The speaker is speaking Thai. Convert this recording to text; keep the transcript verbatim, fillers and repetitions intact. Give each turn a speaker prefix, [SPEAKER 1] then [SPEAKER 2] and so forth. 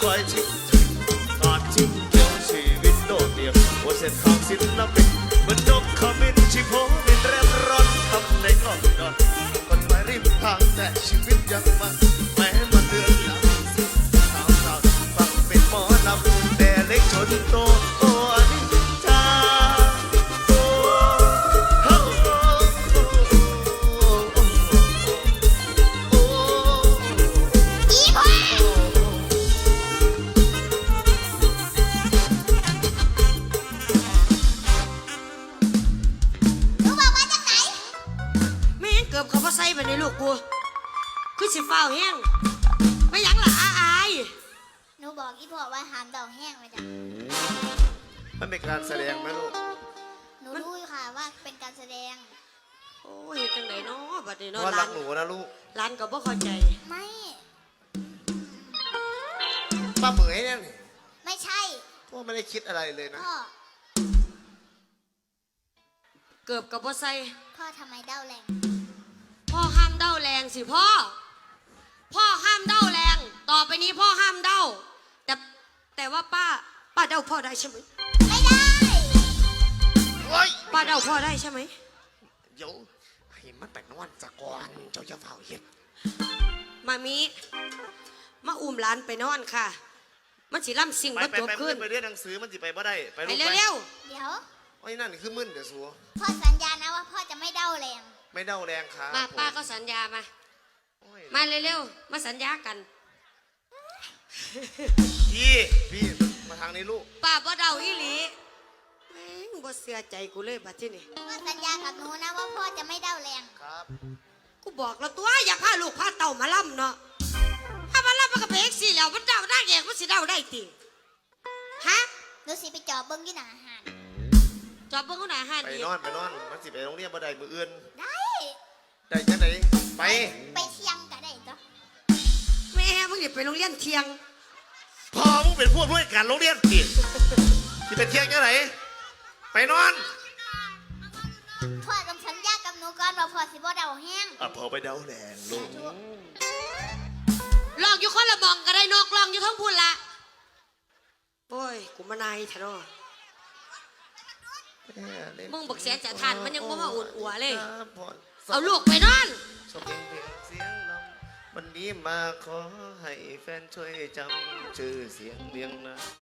[SPEAKER 1] ควายชิงงานชิงเกี่ยวชีวิตโดดเดี่ยวหัวเส้นทางศิลปินเหมือนนกขมิ้นชิโพบินเร่ร่อนทำในกล่องดอนคนไปริมทางแต่ชีวิตยังมันแม้มันเดือนหลังสาวสาวฟังเป็นหมอลำแต่เล็กชนโตโอ้อนิจจาโอ้โอ้โอ้โอ้
[SPEAKER 2] อีพ่อหนูบอกมาจากไหน
[SPEAKER 3] ไม่งั้นเกือบเขาพอใส่ไปในลูกกูคือสิฟ้าวแห้งไม่ยั้งล่ะอาอาย
[SPEAKER 2] หนูบอกอีพ่อว่าหามดอกแห้งมาจ้ะ
[SPEAKER 1] มันเป็นการแสดงไหมลูก
[SPEAKER 2] หนูรู้อยู่ค่ะว่าเป็นการแสดง
[SPEAKER 3] โอ้ยจังไหนเนาะบัดนี้
[SPEAKER 1] เพ
[SPEAKER 3] เนาะ
[SPEAKER 1] ราะรั
[SPEAKER 3] ร้าก น
[SPEAKER 1] หนูนะลูก
[SPEAKER 3] ร้านก็บ่เข้าใจ
[SPEAKER 2] ไม่
[SPEAKER 1] ป้าเหมยเนี่ยนี่
[SPEAKER 2] ไม่ใช่
[SPEAKER 1] พ่อไม่ได้คิดอะไรเลยนะ
[SPEAKER 2] พ่อ
[SPEAKER 3] เกือบกับบ่ใส่
[SPEAKER 2] พ่อทำไมเด้าแรง
[SPEAKER 3] พ่อห้ามเด้าแรงสิพ่อพ่อห้ามเด้าแรง ต่อไปนี้พ่อห้ามเด้าแต่แต่ว่าป้าป้าเด้าพ่อได้ใช่ไหม
[SPEAKER 2] ไม่ได้
[SPEAKER 1] โอ้ย
[SPEAKER 3] ป้าเด้าพ่อได้ใช่ไหม
[SPEAKER 1] เดี๋ยวให้มันแต่งนอนสะก่อนเจ้าจะเฝ้าเห็ด
[SPEAKER 3] มามีมาอุ้มร้านไปนอนค่ะ มันสิล่ำสิ่ง
[SPEAKER 1] ไป
[SPEAKER 3] บ่
[SPEAKER 1] ไป
[SPEAKER 3] จบ
[SPEAKER 1] ไป
[SPEAKER 3] ขึ้น
[SPEAKER 1] ไปเรียนหนังสือมันสิไปบ่ได้ไป
[SPEAKER 3] ไป
[SPEAKER 1] ลูกไป
[SPEAKER 3] เร็ว
[SPEAKER 2] เดี๋ยว
[SPEAKER 1] โอ้ยนั่นคือมึนเดี๋ยวสัว
[SPEAKER 2] พ่อสัญญานะว่าพ่อจะไม่เด้าแรง
[SPEAKER 1] ไม่เด้าแรงครับ
[SPEAKER 3] ๆมาป้าก็สัญญามา
[SPEAKER 1] โอ้ย
[SPEAKER 3] มาเร็วๆมาสัญญากัน
[SPEAKER 1] พี่พี่มาทางนี้ลูก
[SPEAKER 3] ป้าบ่เดาอีหลีแม่งบ่เสียใจกูเลยบัดที่นี่
[SPEAKER 2] พ่อสัญญากับหนูนะว่าพ่อจะไม่เด้าแรง
[SPEAKER 1] ครับ
[SPEAKER 3] กูบอกแล้วตัวอยากพาลูกพาเต่ามาล่ำเนาะถ้ามาล่ำมันก็ไปเอ็กซี่แล้วมันเดาได้เองมันสิเดาได้ติฮะ
[SPEAKER 2] หนูสิไปจอบเบิ้งที่หนาอาหาร
[SPEAKER 3] จอบเบิ่งเขาหน้าห้าน
[SPEAKER 1] ไป
[SPEAKER 3] อีก
[SPEAKER 1] นอนไปนอนมันสิไปโรงเรียนบ่ได้มืออื่น
[SPEAKER 2] ได้
[SPEAKER 1] ได้จังไหนไป
[SPEAKER 2] ไปเที่ยงก็ได้จ้ะ
[SPEAKER 3] แม่มึงอย่าไปโรงเรียนเที่ยง
[SPEAKER 1] พอมึงเป็นพวกด้วยการโรงเรียนติดที่เป็นเที่ยงจังไหนไปนอน
[SPEAKER 2] พ่อต้องสัญญากับหนูก่อนว่าพ่อสิบ่เด้าแห้ง
[SPEAKER 1] อ่ะพอไปเด้าแรงลูก
[SPEAKER 3] ลองอยู่คนละบองก็ได้นกลองอยู่ทั้งพุ่นละโอ้ยกูมานายทะเนาะมึงบักเสียจะทานมันยังบ่มาอุ่นอัวเลย เอาลูกไปนอน
[SPEAKER 1] ชมเพลงเพลงเสียงลำวันนี้มาขอให้แฟนช่วยจำชื่อเสียงเรียงนะ